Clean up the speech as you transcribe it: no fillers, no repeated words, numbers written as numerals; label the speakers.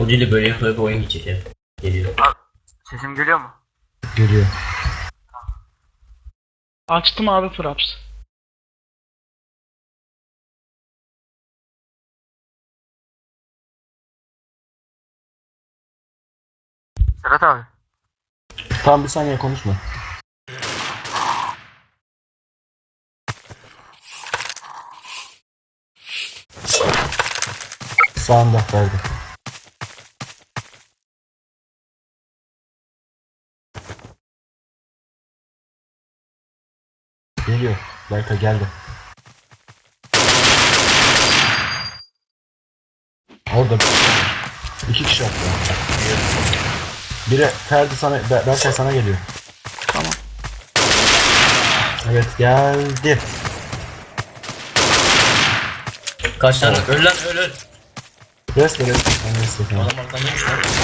Speaker 1: O dili böyle yapıp oyun gidecek ya. Geliyor.
Speaker 2: Sesim geliyor mu?
Speaker 3: Geliyor.
Speaker 4: Açtım abi Fraps.
Speaker 2: Serhat abi.
Speaker 3: Tamam bir saniye konuşma. Sağında verdi. Geliyor. Berkay geldi. Orada iki kişi attı. Biri Ferdi sana, Berkay sana geliyor.
Speaker 4: Tamam.
Speaker 3: Evet geldi.
Speaker 1: Kaç tane? Öl lan öl öl.
Speaker 3: Rest verelim. Ben rest yapayım.
Speaker 1: Adam arkamdaymış lan.